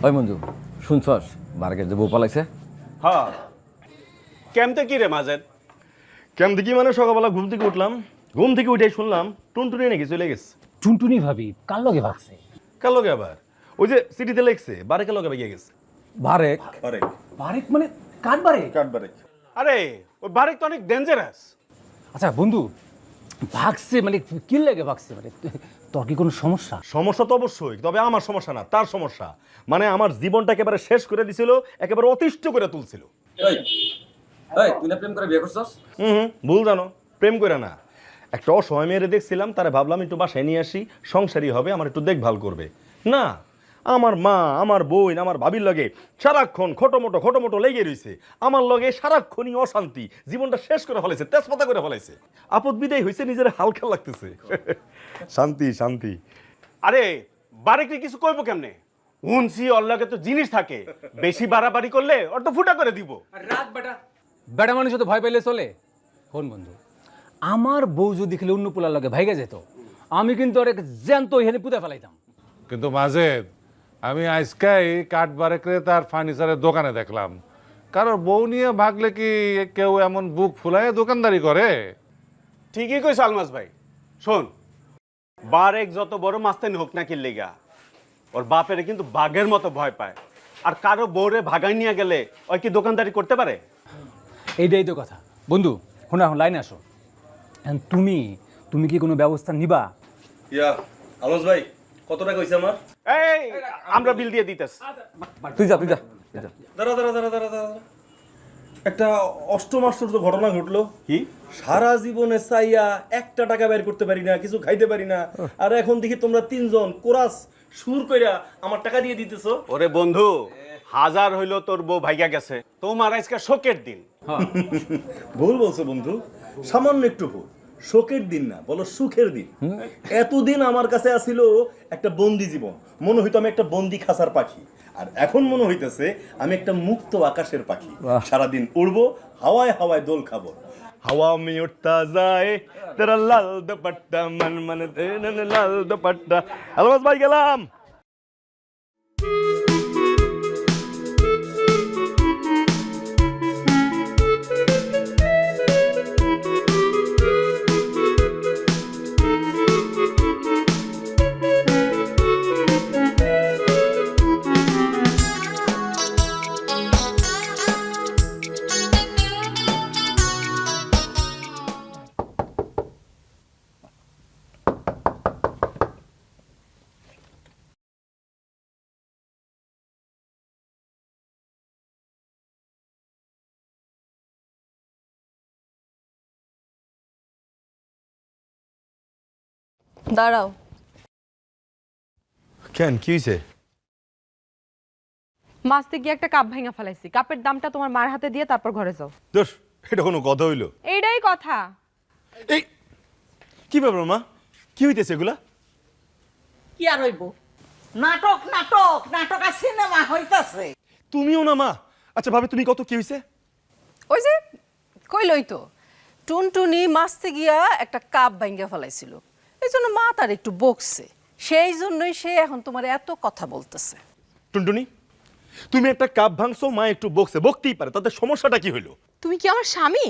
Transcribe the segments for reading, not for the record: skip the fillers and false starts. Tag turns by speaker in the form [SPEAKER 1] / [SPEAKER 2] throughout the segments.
[SPEAKER 1] ওই মঞ্জু শুনছস বারকের যে বউ পালাইছে?
[SPEAKER 2] হ্যাঁ কেমতে কি রে মাজেদ?
[SPEAKER 3] কেমন কি মানে সকালবেলা ঘুম থেকে উঠলাম, ঘুম থেকে উঠেই শুনলাম টুনটুনি নাকি চলে গেছে।
[SPEAKER 4] টুনটুনি ভাবি কার লগে ভাগছে?
[SPEAKER 3] কার লগে আবার? ওই যে সিটিতে লেখছে বারেকের লগে বেরিয়ে গেছে।
[SPEAKER 1] বারেক?
[SPEAKER 3] বারেক
[SPEAKER 4] বারেক মানে কার বারেক?
[SPEAKER 3] কাঠ বারেক।
[SPEAKER 2] আরে ওই বারেক তো অনেক ডেঞ্জারাস।
[SPEAKER 4] আচ্ছা বন্ধু, ভাগছে মানে কি লাগে ভাগছে? মানে তোর কি কোনো সমস্যা?
[SPEAKER 3] সমস্যা তো অবশ্যই, তবে আমার সমস্যা না, তার সমস্যা। মানে আমার জীবনটা একেবারে শেষ করে দিছিল, একেবারে অতিষ্ঠ করে তুলছিল।
[SPEAKER 1] তুই না প্রেম করে বিয়ে করছস?
[SPEAKER 3] ভুল জানো, প্রেম করে না। একটা অসময় মেয়েরে দেখছিলাম, তারে ভাবলাম একটু বাসায় নিয়ে আসি, সংসারই হবে, আমার একটু দেখভাল করবে। না, আমার মা, আমার বোন, আমার ভাবির লগে সারাক্ষণ খটোমটো লেগে রয়েছে। আমার লগে সারাক্ষণই অশান্তি, জীবনটা শেষ করে ফেলেছে, তেজপাতা করে ফেলাইছে। আপদ বিদায় হয়েছে, নিজের হালকা লাগতেছে। শান্তি শান্তি।
[SPEAKER 2] আরে বারেককে কিছু কইবো কেমনে? উনসি অল্লাহকে তো জিনিস থাকে, বেশি বাড়াবাড়ি করলে ওর তো ফুটা করে দিব।
[SPEAKER 4] রাত বেটা বেটা মানুষ তো ভয় পাইলে চলে। শোন বন্ধু, আমার বউ যদি খেলে অন্য পোলার লগে ভাইগা যেত, আমি কিন্তু অনেক জ্যান্ত এখানে পুঁতে ফেলাইতাম।
[SPEAKER 5] কিন্তু মাজেদ, আমি আজকাই কাঠ বারেকরে তার ফার্নিচারের দোকানে দেখলাম। কারোর বউ নিয়ে ভাগলে কি কেউ এমন বুক ফুলায় দোকানদারি করে?
[SPEAKER 2] ঠিকই কইছ আলমাস ভাই। শোন, বারেক যত বড় মাস্তানি হোক না কিল্লিগা, ওর বাপেরে কিন্তু বাঘের মতো ভয় পায়। আর কারো বউরে ভাগাই নিয়ে গেলে ওই কি দোকানদারি করতে পারে?
[SPEAKER 4] এইটাই তো কথা বন্ধু। শোনা, এখন লাইনে আসো। তুমি তুমি কি কোনো ব্যবস্থা নিবা?
[SPEAKER 3] ইয়া আলোস ভাই, কত টাকা হইছে আমার?
[SPEAKER 2] এই আমরা বিল দিয়ে দিতেছ।
[SPEAKER 1] তুই যা।
[SPEAKER 3] দাঁড়া। একটা অষ্টম আশ্চর্য ঘটনা ঘটলো।
[SPEAKER 2] কি?
[SPEAKER 3] সারা জীবনে চাইয়া একটা টাকা বের করতে পারি না, কিছু খাইতে পারি না, আর এখন দেখি তোমরা তিনজন কোরাস সুর কইরা আমার টাকা দিয়ে দিতেছো।
[SPEAKER 2] ওরে বন্ধু, হাজার হইলো তোর বউ ভাইগা গেছে, তোমার আজকে শোকের দিন।
[SPEAKER 3] ভুল বলছো বন্ধু, সামান্য একটু ভুল। শোকের দিন না, বলো সুখের দিন। এতদিন আমার কাছে আসিল একটা বন্দি জীবন, মনে হইতো আমি একটা বন্দি খাঁচার পাখি, আর এখন মনে হইতেছে আমি একটা মুক্ত আকাশের পাখি। সারাদিন উড়বো, হাওয়ায় হাওয়ায় দোল খাবো। হাওয়া মে উঠতা যায় তেরা লাল দুপাট্টা, মন মন লাল দুপাট্টা। আলমাস ভাই গেলাম।
[SPEAKER 6] দাঁড়াও।
[SPEAKER 3] কেন, কি হয়েছে?
[SPEAKER 6] মাছতে গিয়ে একটা কাপ ভাঙা ফেলাইছি। কাপের দামটা তোমার মার হাতে দিয়ে তারপর ঘরে যাও।
[SPEAKER 3] দোষ, এটা কোনো কথা হইলো?
[SPEAKER 6] এইটাই কথা।
[SPEAKER 3] এই কি ব্যাপার মা, কি হইতেছে এগুলা?
[SPEAKER 7] কি আর হইব? নাটক নাটক নাটক আর সিনেমা হইতাছে।
[SPEAKER 3] তুমিও না মা? আচ্ছা ভাবি, তুমি কত, কি হইছে?
[SPEAKER 6] ওই যে কইলই তো, টুনটুনি মাছতে গিয়া একটা কাপ ভাঙা ফেলাইছিল, এই জন্য মা তার একটু বকছে, সেই জন্যই সে এখন তোমার এত কথা বলতেছে।
[SPEAKER 3] টুনটুনি, তুমি একটা কাপ ভাঙছো, মা একটু বকছে, বকতেই পারে, তাতে সমস্যাটা কি হইলো?
[SPEAKER 6] তুমি কি আমার স্বামী?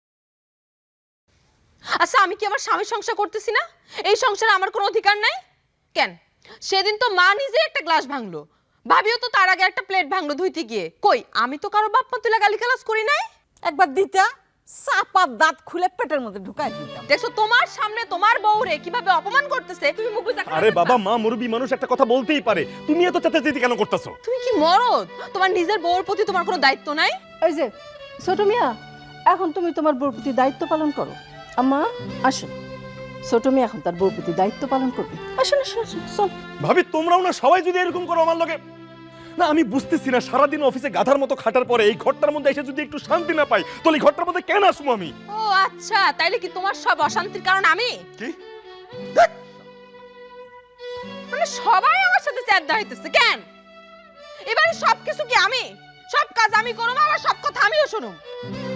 [SPEAKER 6] আচ্ছা, আমি কি আমার স্বামীর সংসার করতেছি না? এই সংসারে আমার কোনো অধিকার নাই কেন? সেদিন তো মা নিজে একটা গ্লাস ভাঙলো, ভাবিও তো তার আগে একটা প্লেট ভাঙলো ধুইতে গিয়ে। কই, আমি তো কারো বাপ মা তুলে গালিগালাজ করি নাই।
[SPEAKER 7] একবার দিতা চাপার দাঁত খুলে পেটের মধ্যে ঢুকাই দিতাম।
[SPEAKER 6] দেখছো তোমার সামনে তোমার বউরে কিভাবে অপমান করতেছে, তুমি মুখ বুজা।
[SPEAKER 3] আরে বাবা, মা মুরব্বী মানুষ, একটা কথা বলতেই পারে, তুমি এত চেঁচাচেঁচি কেন করতেছো?
[SPEAKER 6] তুমি কি মরদ? তোমার নিজের বউর প্রতি তোমার কোনো দায়িত্ব নাই?
[SPEAKER 8] এই যে ছোট মিয়া, এখন তুমি তোমার বউর প্রতি দায়িত্ব পালন করো। আম্মা আসুন, ছোট মিয়া এখন তার বউর প্রতি দায়িত্ব পালন করবে। আসুন আসুন আসুন, চল।
[SPEAKER 3] ভাবি, তোমরাও না সবাই যদি এরকম করো আমার লগে, না আমি বুঝতেছি না, সারাদিন অফিসে গাধার মতো খাটার পরে এই ঘরটার মধ্যে এসে যদি একটু শান্তি না পাই, তাহলে এই ঘরটার মধ্যে কেন আসবো আমি?
[SPEAKER 6] ও আচ্ছা, তাইলে কি তোমার সব অশান্তির কারণ আমি?
[SPEAKER 3] কি?
[SPEAKER 6] মানে সবাই আমার সাথে চ্যাট হইতেছে কেন? এবারে সবকিছু কি আমি? সব কাজ আমি করব, আবার সব কথা আমিও শুনুম?